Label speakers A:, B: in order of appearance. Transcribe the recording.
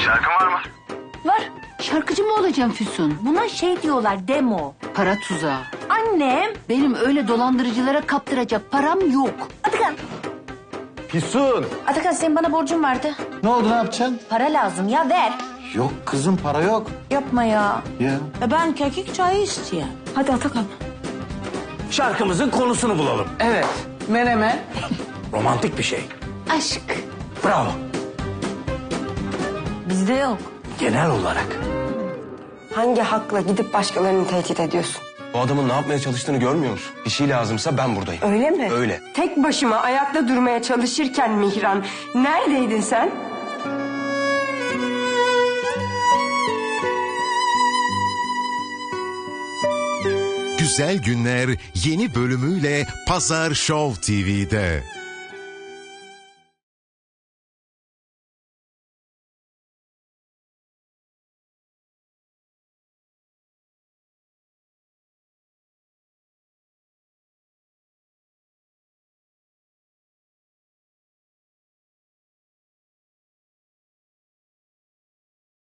A: Şarkın var mı?
B: Var. Şarkıcı mı olacağım Füsun?
C: Buna şey diyorlar, demo.
B: Para tuzağı.
C: Annem.
B: Benim öyle dolandırıcılara kaptıracak param yok.
C: Atakan.
D: Füsun.
C: Atakan senin bana borcun vardı.
D: Ne oldu, ne yapacaksın?
C: Para lazım ya, ver.
D: Yok kızım, para yok.
C: Yapma ya.
D: Ya.
C: Ben kekik çayı istiyorum. Hadi Atakan.
E: Şarkımızın konusunu bulalım.
F: Evet. Menemen.
E: Romantik bir şey.
B: Aşk.
E: Bravo.
C: Bizde yok.
E: Genel olarak.
G: Hangi hakla gidip başkalarını tehdit ediyorsun?
H: Bu adamın ne yapmaya çalıştığını görmüyor musun? Bir şey lazımsa ben buradayım.
G: Öyle mi?
H: Öyle.
G: Tek başıma ayakta durmaya çalışırken Mihran, neredeydin sen?
I: Güzel Günler yeni bölümüyle Pazar Show TV'de.